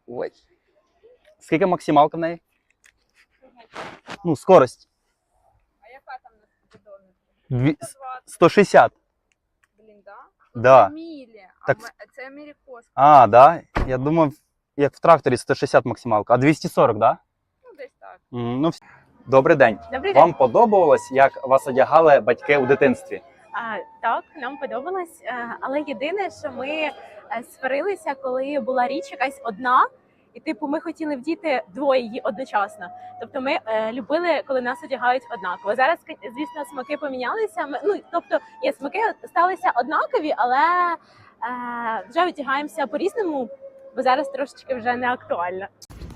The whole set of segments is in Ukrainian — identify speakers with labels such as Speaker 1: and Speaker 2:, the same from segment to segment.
Speaker 1: Ой. Скільки максималка в неї? Ну, скорость.
Speaker 2: А яка там на спідометрі?
Speaker 1: 160.
Speaker 2: Блін, да?
Speaker 1: Да.
Speaker 2: Це мілі,
Speaker 1: Так.
Speaker 2: це америкос.
Speaker 1: А, да? Я думав, як в тракторі 160 максималка. А 240, да?
Speaker 2: Ну, десь так.
Speaker 1: Ну, добрий день.
Speaker 3: Добрий день.
Speaker 1: Вам подобалось, як вас одягали батьки у дитинстві?
Speaker 3: Так, нам подобалось, але єдине, що ми сварилися, коли була річ якась одна, і типу ми хотіли вдіти двоє її одночасно. Тобто ми любили, коли нас одягають однаково. Зараз, звісно, смаки помінялися. Смаки сталися однакові, але вже одягаємося по-різному, бо зараз трошечки вже не актуально.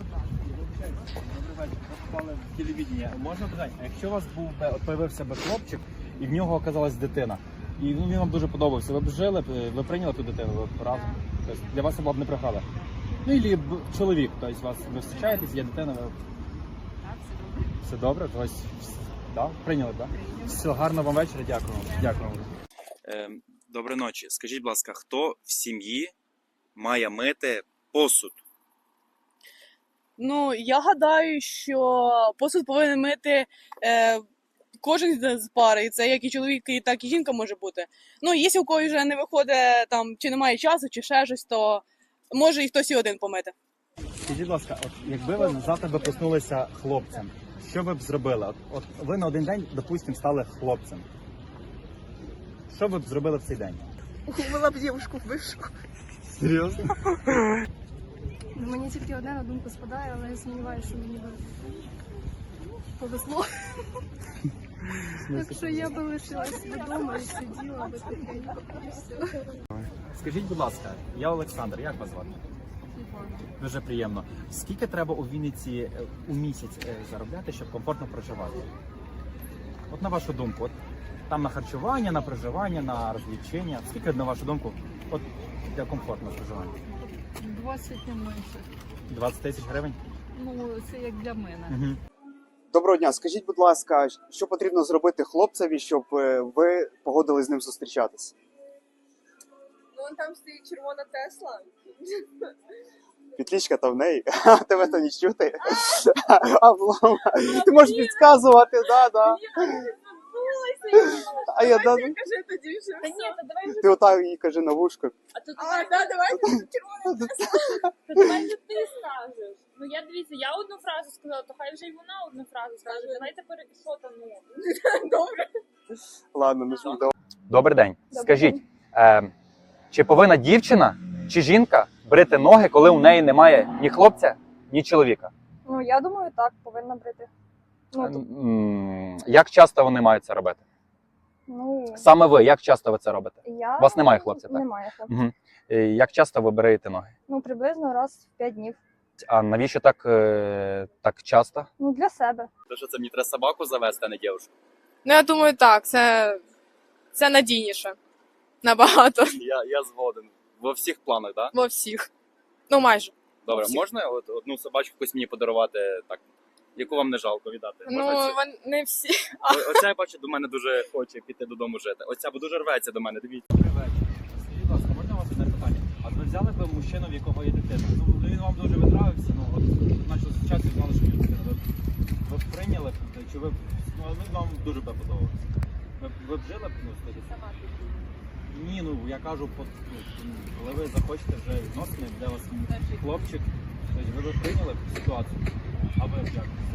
Speaker 4: Попали в телевідення. Можна питати, а якщо у вас появився би хлопчик, і в нього оказалась дитина, і він вам дуже подобався, ви б жили, ви прийняли ту дитину, ви б разом? Тобто для вас це була б не преграда? Ну, і чоловік, тобто вас ви зустрічаєтесь, є дитина, ви... Все добре? Тобто, да? Прийняли, так? Да? Все, гарного вам вечора, дякую. Дякую.
Speaker 5: Доброї ночі. Скажіть, будь ласка, хто в сім'ї має мити посуд?
Speaker 6: Ну, я гадаю, що посуд повинен мити кожен з пари. І це як і чоловік, так і жінка може бути. Ну, якщо у когось вже не виходить, там, чи немає часу, чи ще щось, то може і хтось і один помити.
Speaker 4: Скажіть, будь ласка, от якби ви завтра би проснулися хлопцем, що ви б зробили? От ви на один день, допустимо, стали хлопцем. Що ви б зробили в цей день?
Speaker 2: Купила б дівушку бившу.
Speaker 4: Серйозно?
Speaker 7: Мені тільки одне на думку спадає, але я сумніваюся, що мені би повезло. Якщо я би лишилась вдома і сиділа би тихенько, і все.
Speaker 4: Скажіть, будь ласка, я Олександр, як вас звати? Дуже приємно. Скільки треба у Вінниці у місяць заробляти, щоб комфортно проживати? От на вашу думку, от там на харчування, на проживання, на розвлечення. Скільки, на вашу думку, от для комфортного проживання?
Speaker 7: 20 не менше.
Speaker 4: 20 тисяч гривень?
Speaker 7: Ну, це як для мене.
Speaker 4: Угу.
Speaker 8: Доброго дня. Скажіть, будь ласка, що потрібно зробити хлопцеві, щоб ви погодились з ним зустрічатись?
Speaker 2: Ну, вон там стоїть червона Тесла.
Speaker 8: Петличка та в неї, тебе то не чути. Облом. Ти можеш підказувати, да. А я да.
Speaker 2: Кажи тоді вже. Та ні, то давай вже.
Speaker 8: Ти отак їй кажи на вушко.
Speaker 2: Давай червона Тесла.
Speaker 9: То давайте ти скажеш. Ну я дивіться, я одну фразу сказала, то хай вже й вона одну фразу скаже. Давайте переписотану.
Speaker 2: Добре.
Speaker 8: Ладно, не жду.
Speaker 1: Добрий день. Скажіть, чи повинна дівчина чи жінка брити ноги, коли у неї немає ні хлопця, ні чоловіка?
Speaker 7: Ну, я думаю, так, повинна брити.
Speaker 1: Як часто вони мають це робити?
Speaker 7: Ну,
Speaker 1: Саме ви, як часто ви це робите?
Speaker 7: я...
Speaker 1: У вас немає хлопця, так?
Speaker 7: Немає хлопця.
Speaker 1: Угу. Як часто ви бреєте ноги?
Speaker 7: Ну, приблизно раз в 5 днів.
Speaker 1: А навіщо так часто?
Speaker 7: Ну, для себе.
Speaker 5: То що це мені треба собаку завести, а не дівчинку?
Speaker 6: Ну, я думаю, так, це надійніше. Набагато.
Speaker 5: Я згоден. Во всіх планах, так? Да?
Speaker 6: Во всіх. Ну, майже.
Speaker 5: Добре,
Speaker 6: всіх.
Speaker 5: можна одну собачку якусь мені подарувати, так, яку вам не жалко віддати? Можна
Speaker 6: Ну,
Speaker 5: цю?
Speaker 6: не всі.
Speaker 5: Оця, я бачу, до мене дуже хоче піти додому жити. Оця бо дуже рветься до мене, дивіться.
Speaker 4: Добрий вечір. Скажіть, будь ласка, можна у вас одне питання? А ви взяли б мужчину, в якого є дитина? Ну, він вам дуже відравився, ну, от, почали зустрічатися, знали, що є дитина. Ви б прийняли, чи ви б, ну, він вам дуже б подобався? Ви б жили б, ну, скажіть? Ні, ну, я кажу, коли ви захочете вже відносини, де у вас хлопчик, тобто ви б прийняли б ситуацію? А ви б як?